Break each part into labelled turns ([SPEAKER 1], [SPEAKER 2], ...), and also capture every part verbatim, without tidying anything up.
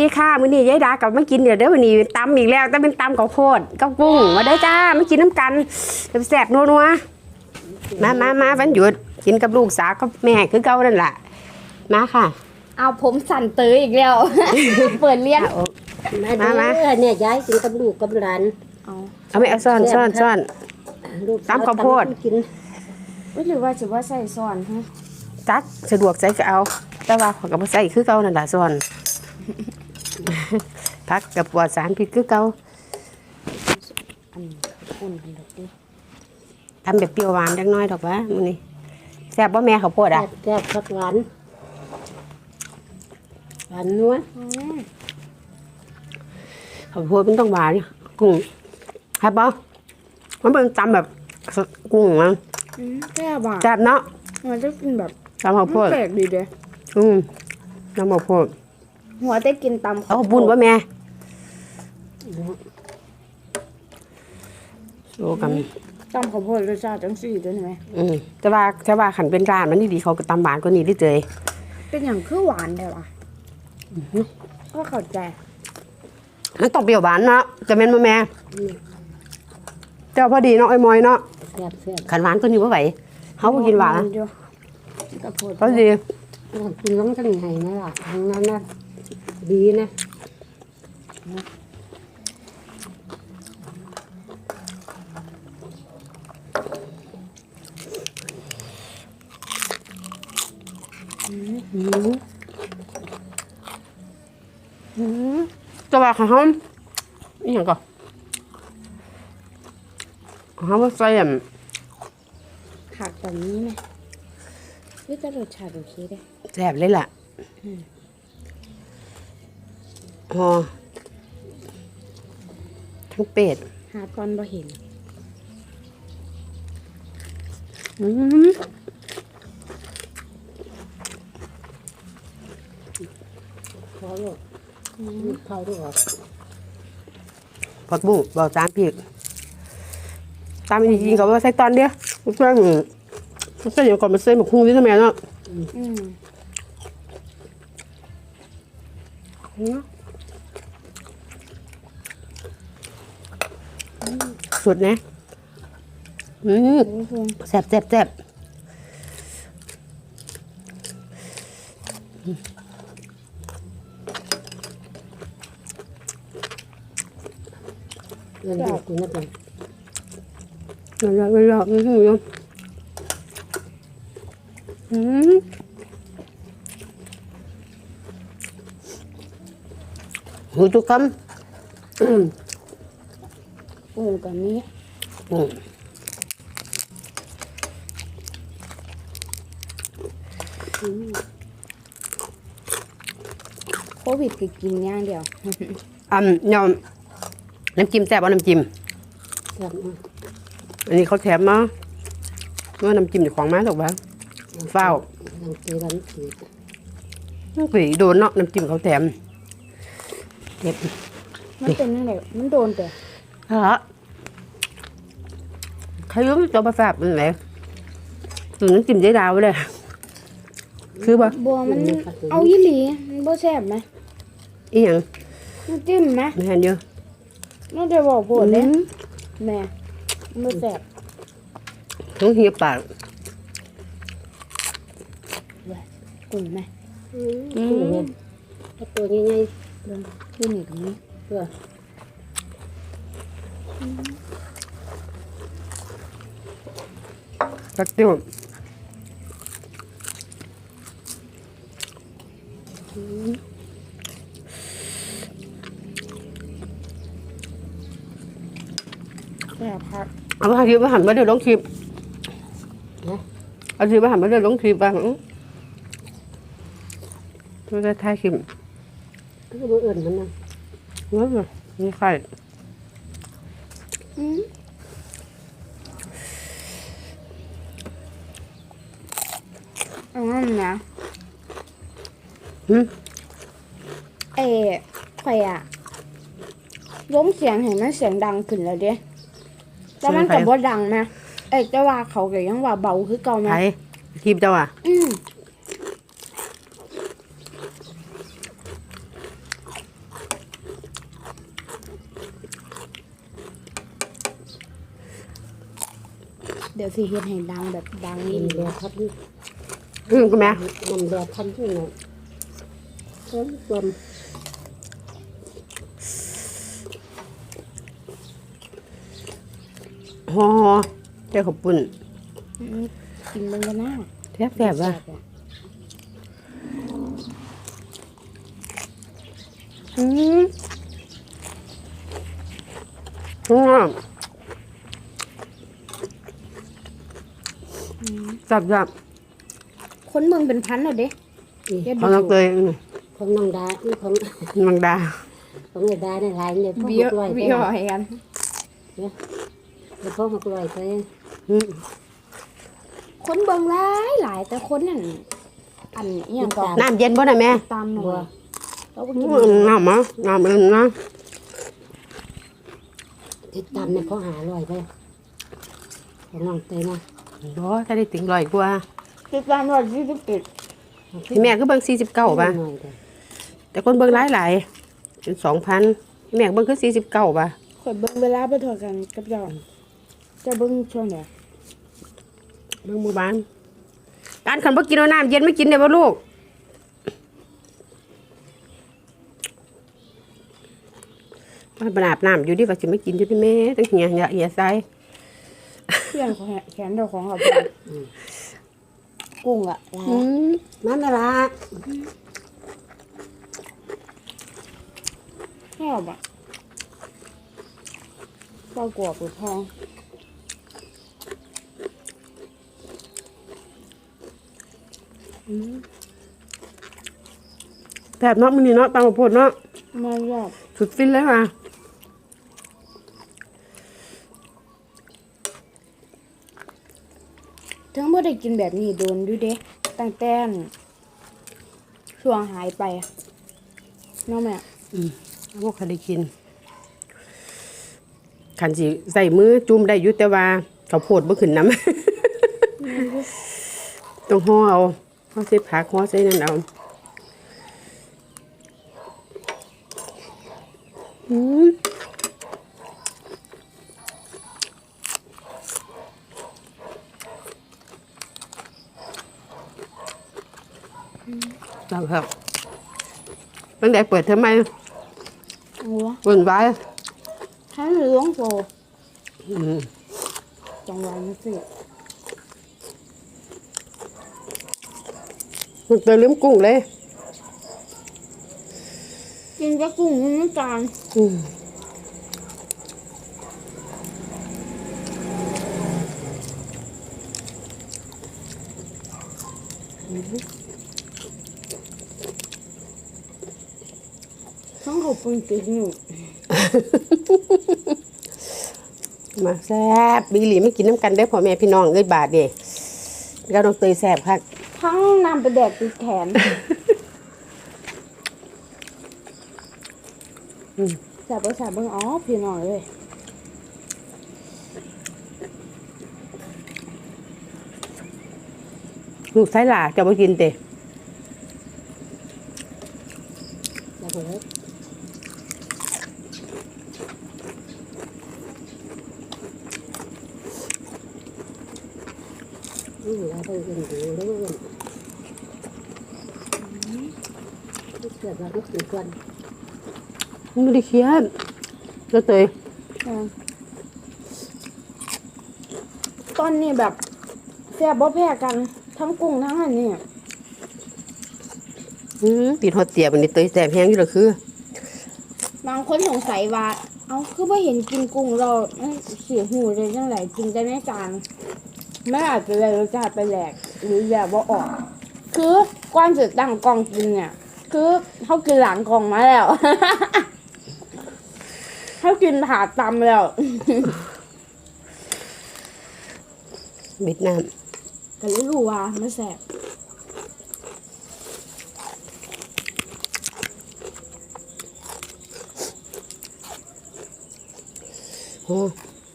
[SPEAKER 1] ค่ะมื้อนี้ยายดากับมากินเดี๋ยวเด้อวันนี้ตำอีกแล้วแต่เป็นตำข้าวโพดกับกุ้งมาได้จ้ามากินน้ำกันแซ่บๆนัวๆมามามาวันหยุดกินกับลูกสาวกับแม่คือเก่านั่นแหละมาค่ะ
[SPEAKER 2] เอาผมสั่นเตยอีกแล้ว เปิดเลี้ยง
[SPEAKER 3] มามาเนี่ยย้ายกินกับลูกกับหลาน
[SPEAKER 2] เอา
[SPEAKER 1] เอาไม่เอาซ่อนซ่อนซ่อนตำข้าวโพด
[SPEAKER 3] กิน
[SPEAKER 2] ไม่หรือว่าจะว่าใส่ซ่อนฮะ
[SPEAKER 1] จักสะดวกใส่ก็เอาแต่ว่าขอยก็บ่ใส่คือเก่านั่นล่ะซ่อนพักกับปลอดสารพิษคือเก่า
[SPEAKER 2] อันอุ่นกันดอกดิ
[SPEAKER 1] ทำแบบเปรี้ยวหวานจังน้อยดอกวะมื้อนี้แซ่บบ่แม่ข้าวโพดอ่ะ
[SPEAKER 3] แซ่บผักหวานหวานนัว
[SPEAKER 1] ข้าวโพดมันต้องหวานกุ้งครับบ่มันเป็นตำแบบกุ้งมั้ง
[SPEAKER 2] แซ่บอ่ะ
[SPEAKER 1] แซ่บเนาะ
[SPEAKER 2] มันจะกินแบบ
[SPEAKER 1] ตำข้าวโพด
[SPEAKER 2] แปลกดีเด้
[SPEAKER 1] อืมตำข้าวโพด
[SPEAKER 2] หัวได้กินตำ
[SPEAKER 1] เอาบุญว่าแม่โอ้กัน
[SPEAKER 2] ตำข้าวโพดรสชาติจังสี่ด้วยไหม
[SPEAKER 1] อืมแต่ว่าแต่ว่าขันเป็นร้านมันดีๆเขาก็ตำหวานกว่านี้ได้เจย
[SPEAKER 2] เป็นอย่างคือหวานได้ปะก็เข้าใจ
[SPEAKER 1] มันต้องเปรี้ยวหวานเนาะจะเป็นมาแม่เจ้าพอดีเนาะไอ้มอยเนาะขันหวานก็นี่ว่าไหวเขาก็กินหวานพอดี
[SPEAKER 3] กินล้มทั้งไงนะล่ะทางนั้นนะดีนะ
[SPEAKER 1] จะว่าเขาอีหยังก่อนเขาว่าใส่อ่ะ
[SPEAKER 2] ผักแบบนี้ไหมนี่จะรสชาติโอเคได้
[SPEAKER 1] แซ่บเลยล่ะอ๋อทั้งเป็ด
[SPEAKER 2] หาตอนบ่เห็น
[SPEAKER 1] อืม
[SPEAKER 3] พอลูกเข้าด้วยหรอ
[SPEAKER 1] ผักบุ้งบอกตามพี่ตามจริงๆเขาว่าใส่ตอนเดียวไม่ใช่หรือไม่ใช่อย่างก่อนมาใส่หมกหุ้งนี่ทำไมเนาะสุดนะอืมแซ่บแซ่บแซ่บ
[SPEAKER 3] เงินเดือนกินนะจ๊ะ
[SPEAKER 1] เวลาเวลาไม่ถึงยังอืมหูทุกคำ
[SPEAKER 2] โอ้กันนี้โควิดคือกินอย่างเดียว
[SPEAKER 1] อ่ำยอมน้ำจิ้มแซ่บเอาน้ำจิ้มอันนี้เขาแถมมาว่าน้ำจิ้มอยู่ของม้าถูกปะเฝ้า
[SPEAKER 3] น้ำจิ้มน้ำจิ้ม
[SPEAKER 1] น้ำจิ้มโดนเนาะน้ำจิ้มเขาแถมเก็บ
[SPEAKER 2] มันเป็นยังไงมันโดนแต่
[SPEAKER 1] ฮะใครรู้ตัวประสาทเป็นไงถึงน้ำจิ้มเจ๊ดาวเลยคือปะ
[SPEAKER 2] บัวมันเอายี่หลีมันบัวแซ่บไหม
[SPEAKER 1] อีหยัง
[SPEAKER 2] น้ำจิ้มไหม
[SPEAKER 1] ไม่เห็นเยอะ
[SPEAKER 2] น่าจะบอกโผล่เลยแม่บัวแซ่บ
[SPEAKER 1] ต้องเหี่ยปาก
[SPEAKER 2] กุ้งไหม
[SPEAKER 3] กุ้งเนี่ยตัวใหญ่ๆ
[SPEAKER 2] เลยขึ้นอีกตรงนี้
[SPEAKER 3] เพื่อ
[SPEAKER 1] ตักติ้ว
[SPEAKER 2] แซ่บครับ
[SPEAKER 1] เอาไปคลิปมาหันมาเดี๋ยวลงคลิปเอาคลิปมาหันมาเดี๋ยวลงคลิปบ้างไม่ได้ถ่ายคลิป
[SPEAKER 3] ก็ดูเอื่นมันนะ
[SPEAKER 1] นี่เลยนี่ไข่
[SPEAKER 2] อืมนะ
[SPEAKER 1] อืม
[SPEAKER 2] เอ๋ไข่อะล้มเสียงเห็นมันเสียงดังขึ้นแล้วเด้แล้วมันกับว่าดังนะเอ้แต่ว่าเขาก็ยังว่าเบาคือเก่าไหม
[SPEAKER 1] ใช่คลิปเจ้าอ่ะ
[SPEAKER 2] อืมเดี๋ยวสิเฮ็ดให้ดังแบบดังนี่
[SPEAKER 3] น้ำแดดทับนี่
[SPEAKER 1] อืมคุณแม่
[SPEAKER 3] น้ำแดดทับนี่เนี่ยเพิ่มจม
[SPEAKER 1] ฮอเจ้าขอบปุ่น
[SPEAKER 2] อืมกินเบิ่งกันนะ
[SPEAKER 1] แซ่บแซ่บว่ะอืมอืมจับจับ
[SPEAKER 2] คนเมืองเป็นพันแล้วเด้
[SPEAKER 3] นี่
[SPEAKER 2] เฮ็ด
[SPEAKER 1] เขาต้องเคยอืม
[SPEAKER 3] ของน้องดานี่ของ
[SPEAKER 1] มังดา
[SPEAKER 3] ของไอ้ดาในหลายเนี่ยพ่อ
[SPEAKER 2] วิ
[SPEAKER 3] มาว กล้วย
[SPEAKER 2] วิ
[SPEAKER 3] ไป
[SPEAKER 2] วให้กัน
[SPEAKER 3] เดี๋ยวพ่อมากล้วยไป
[SPEAKER 1] อืม
[SPEAKER 2] คนเบิ่งหลายหลายแต่คนนั่นอันอีหยังก็
[SPEAKER 1] น้ำเย็นบ่น่ะแม่
[SPEAKER 2] ตามหน่อยเราก็
[SPEAKER 1] อื
[SPEAKER 2] กิน
[SPEAKER 1] มน้ำมะน้ำอื่นนะ
[SPEAKER 3] ติดตามเนี่ยเขาหาลอยไปของน้องเตยนะ
[SPEAKER 1] บ่ถ้าได้ถึงร้อยกว่า
[SPEAKER 2] ติดตามร้อยยี่สิบเจ็ด
[SPEAKER 1] พี่แม่ก็เบิ่งสี่สิบเก้าป่ะ
[SPEAKER 3] หน่อยเด้อ
[SPEAKER 1] แต่คนเบิ่งหลายหลายจนสองพันแม่ก็เบิ่งคือสี่สิบเก้าป่ะ
[SPEAKER 2] ข่อยเบิ่งเวลาไปเท่ากันกับเจ้าเจะเบิ่งช่วงไหน
[SPEAKER 1] เบิ่งหมู่บ้านการขันบ่กินเอาน้ำเย็นไม่กินได้บ่ลูกมันบอาบน้ำอยู่ดิว่าสิไม่กินอยู่ที่แม่ตั้งเหียเหียเหียใส่
[SPEAKER 2] เพื่อนของแขนเจ้าของเขาไปกุ้งอะลา
[SPEAKER 1] อืม
[SPEAKER 3] นั่นน่ะละ
[SPEAKER 2] ชอบอะปลากรอบหรือทอง
[SPEAKER 1] แบบเนาะมื้อนี้เนาะตามบ่โพดเนาะ
[SPEAKER 2] ไม่ชอบ
[SPEAKER 1] สุดฟินเลยว่ะ
[SPEAKER 2] ทั้งบ่ได้กินแบบนี้โดนอยู่เด้ตั้งแต่ช่วงหายไปอะเน้องแม่
[SPEAKER 1] อืมบ่เคยได้กินคันสิใส่มือจุ่มได้อยู่แต่ว่าข้าวโพดบ่ขึ้นน้ำ ต้องห่อเอาห่อใส่ผักห่อใส่นั่นเอาอืมจังครับตั้งแต่เปิดเทอมใหม่
[SPEAKER 2] โอ้
[SPEAKER 1] วุ่นวาย
[SPEAKER 2] ทั้งหลวงโฟ
[SPEAKER 1] อืม
[SPEAKER 2] จังหวะนี้สิ
[SPEAKER 1] มันเติมลืมกุ้งเลย
[SPEAKER 2] กินกับกุ้งน้ำตาล
[SPEAKER 1] อืม
[SPEAKER 2] ทั้งเขาปรุงติดอยู่
[SPEAKER 1] มาแซ่บบิลลี่ไม่กินน้ำกันได้อพ่อแม่พี่น้องเอ้ยบาทเด้แล้วน้องเตยแซ่บครับ
[SPEAKER 2] ทั้งนำไปแดกติดแขนแสบไปแสบเบิ่งอ๋อพี่น้องเลย
[SPEAKER 1] ลูกไส้หลาจะมากินเตะ
[SPEAKER 3] แล้วก็เลยอืมแล้วก็เงินดูแล้วก็เงินเกิดมาทุกสิ่งก่อน
[SPEAKER 1] ไม่ได้เครียดแล้วเตย
[SPEAKER 2] ตอนนี้แบบแซ่บบ่แพ้กันทั้งกุ้งทั้งอันนี้
[SPEAKER 1] อืมปีนหอดเตียบันนี้เตยแซ่บแห้งอยู่เหรอคือบ
[SPEAKER 2] างคนสงสัยว่า เอาคือไม่เห็นกินกุ้งเราเสียหูเลยจังไรกินได้ไม่จานไม่อาจจะเลยรสชาติไปแหลกหรือแบบว่าออก คือก้อนจะตั้งกล่องกินเนี่ย คือเขากินหลังกล่องมาแล้ว เขากินผ่าตำแล้ว
[SPEAKER 1] เวียดนาม
[SPEAKER 2] ก็เลยรู้ว่ามันแสบ
[SPEAKER 1] โอ้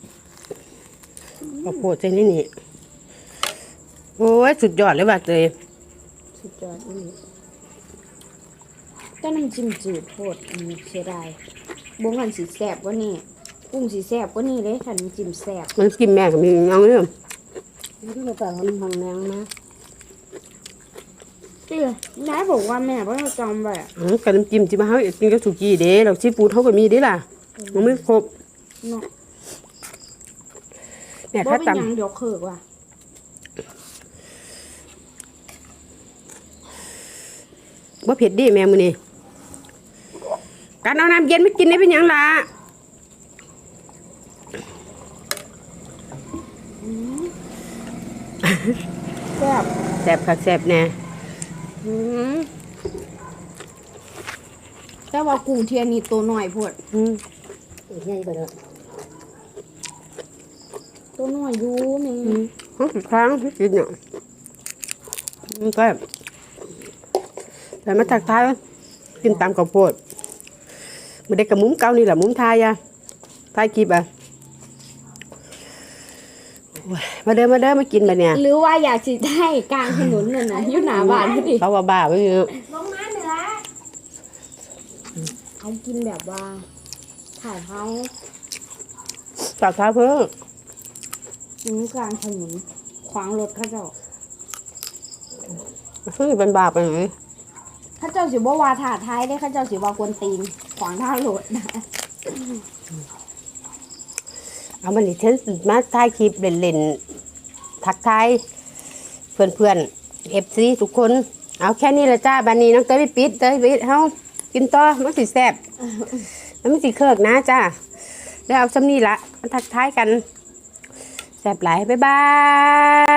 [SPEAKER 1] ข้าวโพดใส่นี่นี่โอ้ยสุดยอดเลยว่ะเตย
[SPEAKER 2] สุดยอดอีกแต่น้ำจิ้มจืดโคตรอืมเสียดายบงกันสีแสบกว่านี่กุ้งสีแสบกว่านี่เลยค่ะน้ำจิ้มแสบ
[SPEAKER 1] มันกินแม่ก็มีเอาเรื่อง
[SPEAKER 3] นี่ก็แต่มันหังแนงนะ
[SPEAKER 2] เตี้ยนายบอกว่าแม่ว่าจะจำไว้อะ
[SPEAKER 1] อืมกับน้ำจิ้มที่มาเฮากินกับสุกี้เด้แล้วซีฟู้ดเฮาก็มีเด้ล่ะมันไม่ครบ
[SPEAKER 2] เนาะ
[SPEAKER 1] แม่
[SPEAKER 2] บ่
[SPEAKER 1] ถ้า
[SPEAKER 2] เป็น
[SPEAKER 1] ตำ
[SPEAKER 2] หยังเดี๋ยวเคิกว่ะ
[SPEAKER 1] บ่เผ็ดดิแม่มื้อนี้การเอาน้ำเย็นมากินได้เป็นหยังล่ะ
[SPEAKER 2] แซ่บ
[SPEAKER 1] แซ่บคักแซ่บแน่อืม
[SPEAKER 2] แต่ว่ากุ้งเทียนนี่ตัวน้อยโพด
[SPEAKER 1] อืม
[SPEAKER 3] อีกไงก็ได้
[SPEAKER 2] ตัวน้อยอยู่แม่
[SPEAKER 1] อืมห้องค้างที่กินเนี่ยอืมแซ่บแต่มาทักทายกินตามข้าวโพดบ่ได้กับมุ้มเก่านี่ล่ะมุ้มทายอ่ะทายคลิปอ่ะโอ้ยมาเด้อมาเด้อมากินบัดเนี่ย
[SPEAKER 2] หรือว่าอยากสิได้กลางถนนน่ะนะอยู่หน้าบ้านพอดี
[SPEAKER 1] เขาว่าบ้าไปเยอะ
[SPEAKER 2] ลงมาเหนือเขากินแบบว่าถ่ายเขา
[SPEAKER 1] จากท้ายเพิ่ง
[SPEAKER 2] อยู่กลางถนนขวางรถเขาเจ้า
[SPEAKER 1] ซึ่งเป็นบาปไปไหน
[SPEAKER 2] เขาเจ้าสิบ่ว่าถ่าท้ายได้เขาเจ้าสิว่ากวนตีนขวางทางรถนะ
[SPEAKER 1] เอามันนี่ฉันมาถ่ายคลิปเล่นๆทักทายเพื่อนๆเอฟซีทุกคน เอาแค่นี้ละจ้าบันนี้น้องเต้ยไปปิดเต้ยไปปิดเฮากินต่อมันสิแซ่บแล้วมันสิเคิกนะจ้าแล้วเอาซ้ำนี่ละมาทักทายกันแซ่บหลายบ๊ายบาย